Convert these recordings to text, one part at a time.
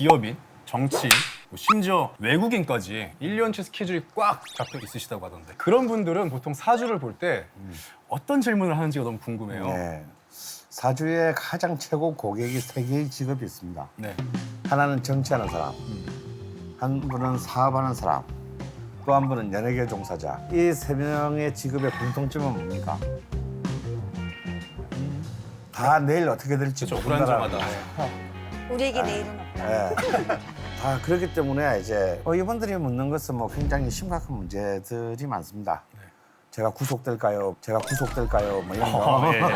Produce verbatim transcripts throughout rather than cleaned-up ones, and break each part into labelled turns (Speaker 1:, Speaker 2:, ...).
Speaker 1: 기업인, 정치인, 뭐 심지어 외국인까지 일 년치 스케줄이 꽉 잡혀 있으시다고 하던데 그런 분들은 보통 사주를 볼 때 어떤 질문을 하는지가 너무 궁금해요.
Speaker 2: 네. 사주에 가장 최고 고객이 세 개의 직업이 있습니다.
Speaker 1: 네.
Speaker 2: 하나는 정치하는 사람, 한 분은 사업하는 사람, 또 한 분은 연예계 종사자. 이 세 명의 직업의 공통점은 뭡니까? 다 내일 어떻게 될지
Speaker 1: 그렇죠.
Speaker 2: 모른다라는
Speaker 1: 불안정하다.
Speaker 2: 거예요.
Speaker 3: 우리에게 내일은 없다.
Speaker 2: 네. 다 그렇기 때문에 이제 어, 이분들이 묻는 것은 뭐 굉장히 심각한 문제들이 많습니다. 제가 구속될까요? 제가 구속될까요? 뭐 이런 거.
Speaker 1: 어, 예, 예.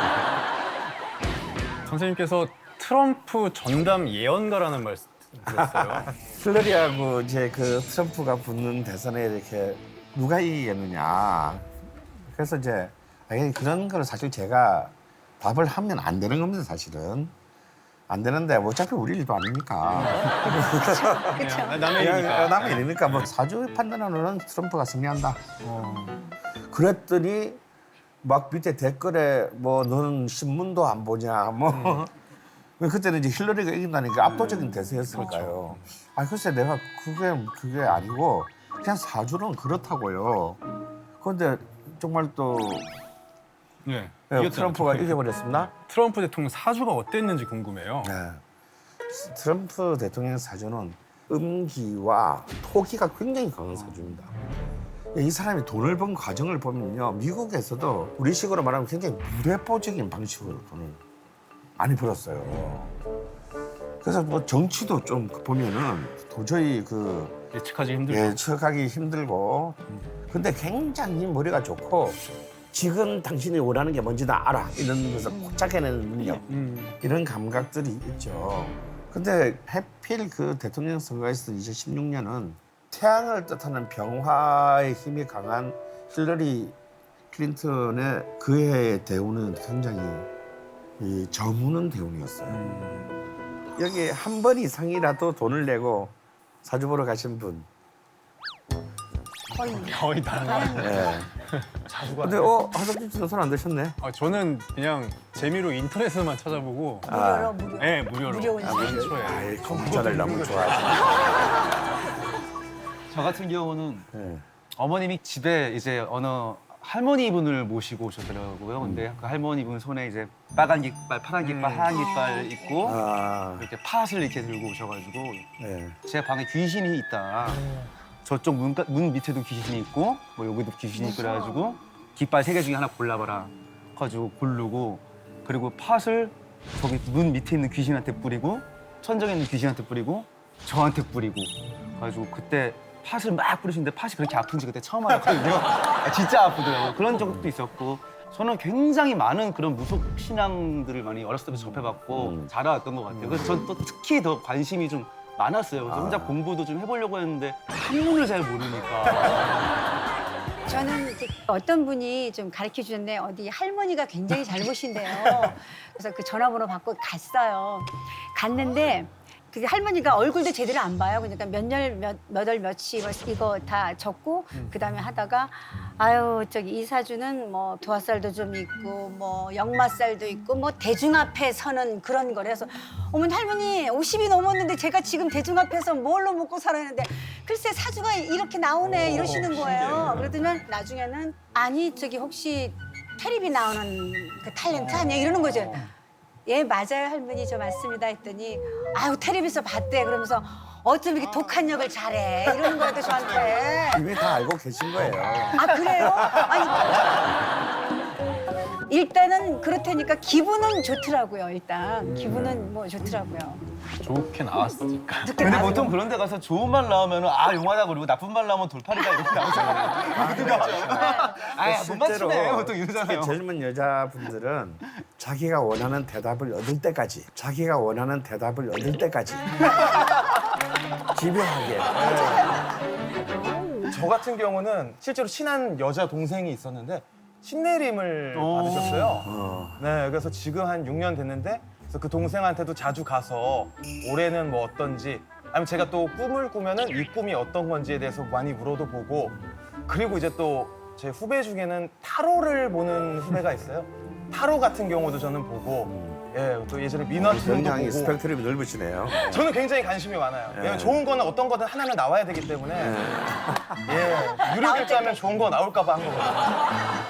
Speaker 1: 선생님께서 트럼프 전담 예언가라는 말씀 들었어요.
Speaker 2: 힐러리하고 이제 그 트럼프가 붙는 대선에 이렇게 누가 이기겠느냐. 그래서 이제 아니, 그런 걸 사실 제가 답을 하면 안 되는 겁니다, 사실은. 안 되는데 어차피 우리 일도 아니니까.
Speaker 1: 그냥 남의
Speaker 2: 그냥
Speaker 1: 일이니까.
Speaker 2: 남의 일이니까 뭐 사주 판단으로는 트럼프가 승리한다. 그랬더니 막 밑에 댓글에 뭐 너는 신문도 안 보냐 뭐 그때는 이제 힐러리가 이긴다니까 압도적인 대세였으니까요. 아 글쎄 내가 그게 그게 아니고 그냥 사주는 그렇다고요. 그런데 정말 또
Speaker 1: 네.
Speaker 2: 네,
Speaker 1: 이겼잖아요.
Speaker 2: 트럼프가 이겨버렸습니다.
Speaker 1: 트럼프 대통령 사주가 어땠는지 궁금해요.
Speaker 2: 네. 트럼프 대통령 사주는 음기와 토기가 굉장히 강한 사주입니다. 이 사람이 돈을 번 과정을 보면요, 미국에서도 우리식으로 말하면 굉장히 무대포적인 방식으로 돈을 많이 벌었어요. 그래서 뭐 정치도 좀 보면은 도저히 그
Speaker 1: 예측하기 힘들죠.
Speaker 2: 예측하기 힘들고, 근데 굉장히 머리가 좋고 지금 당신이 원하는 게 뭔지 다 알아 이런 것을 꼭 찾아내는 능력,
Speaker 1: 음.
Speaker 2: 이런 감각들이 있죠. 근데 해필 그 대통령 선거에서 이천십육 년은 태양을 뜻하는 병화의 힘이 강한 힐러리 클린턴의 그 해의 대운은 굉장히 이 저무는 대운이었어요.
Speaker 1: 음.
Speaker 2: 여기 한 번 이상이라도 돈을 내고 사주 보러 가신 분.
Speaker 3: 거의
Speaker 1: 거의 다.
Speaker 2: 예.
Speaker 1: 자주가.
Speaker 2: 근데 어 하석진 씨는 손 안 드셨네.
Speaker 1: 아, 저는 그냥 재미로 인터넷에만 찾아보고.
Speaker 3: 무료로 무료.
Speaker 1: 네, 무료로.
Speaker 3: 무료
Speaker 1: 아, 연초에.
Speaker 2: 아이 컴퓨터를 너무 좋아하시네.
Speaker 4: 저 같은 경우는
Speaker 2: 예.
Speaker 4: 어머님이 집에 이제 어느 할머니 분을 모시고 오셨더라고요. 근데 그 할머니 분 손에 이제 빨간 깃발, 파란 깃발, 하얀 깃발 있고
Speaker 2: 아,
Speaker 4: 이렇게 팥을 이렇게 들고 오셔가지고
Speaker 2: 예.
Speaker 4: 제 방에 귀신이 있다. 저쪽 문, 문 밑에도 귀신이 있고 뭐 여기도 귀신이 있고 그래가지고 깃발 세 개 중에 하나 골라봐라. 가지고 고르고 그리고 팥을 저기 문 밑에 있는 귀신한테 뿌리고 천정에 있는 귀신한테 뿌리고 저한테 뿌리고 가지고 그때 팥을 막 뿌리시는데 팥이 그렇게 아픈지 그때 처음 알았거든요. 아, 진짜 아프더라고요. 그런 적도 있었고 저는 굉장히 많은 그런 무속 신앙들을 많이 어렸을 때부터 접해봤고
Speaker 2: 음.
Speaker 4: 자라왔던 것 같아요. 그래서 전 또 특히 더 관심이 좀 많았어요. 그래서 혼자 공부도 좀 해보려고 했는데 한문을 잘 모르니까.
Speaker 3: 저는 이제 어떤 분이 좀 가르쳐 주셨는데 어디 할머니가 굉장히 잘 보신대요. 그래서 그 전화번호 받고 갔어요. 갔는데 그 할머니가 얼굴도 제대로 안 봐요. 그러니까 몇 년, 몇, 몇 월, 며칠 이거 다 적고 그다음에 하다가 아유 저기 이 사주는 뭐 도화살도 좀 있고 뭐 역마살도 있고 뭐 대중 앞에 서는 그런 거래서 어머니 할머니 오십이 넘었는데 제가 지금 대중 앞에서 뭘로 먹고 살았는데 글쎄 사주가 이렇게 나오네 이러시는 거예요. 그러더니 나중에는 아니 저기 혹시 테레비 나오는 그 탤런트 아니야 이러는 거죠. 예 맞아요 할머니 저 맞습니다 했더니 아유 텔레비에서 봤대 그러면서 어쩜 이렇게 독한 역을 잘해 이러는 거예요 저한테.
Speaker 2: 이미 다 알고 계신 거예요.
Speaker 3: 아 그래요? 아니 일단은 그렇다니까 기분은 좋더라고요. 일단 기분은 뭐 좋더라고요.
Speaker 1: 좋게 나왔으니까.
Speaker 3: 좋게
Speaker 4: 근데
Speaker 3: 나와서.
Speaker 4: 보통 그런 데 가서 좋은 말 나오면 아 용하다 그러고 나쁜 말 나오면 돌팔이다 이렇게 나오잖아요. 아, 못 맞추네 보통 이러잖아요.
Speaker 2: 특히 젊은 여자분들은 자기가 원하는 대답을 얻을 때까지, 자기가 원하는 대답을 얻을 때까지 집요하게.
Speaker 5: 저 같은 경우는 실제로 친한 여자 동생이 있었는데 신내림을
Speaker 4: 오.
Speaker 5: 받으셨어요.
Speaker 2: 어.
Speaker 5: 네, 그래서 지금 한 육 년 됐는데 그래서 그 동생한테도 자주 가서 올해는 뭐 어떤지 아니면 제가 또 꿈을 꾸면은 이 꿈이 어떤 건지에 대해서 많이 물어도 보고 그리고 이제 또 제 후배 중에는 타로를 보는 후배가 있어요. 타로 같은 경우도 저는 보고 예, 또 예전에 민화팀도
Speaker 2: 굉장히
Speaker 5: 보고
Speaker 2: 스펙트럼이 넓으시네요.
Speaker 5: 저는 굉장히 관심이 많아요. 왜냐면
Speaker 2: 예.
Speaker 5: 좋은 거는 어떤 거든 하나는 나와야 되기 때문에 예, 유료 결제하면 좋은 거 나올까 봐 한 거거든요.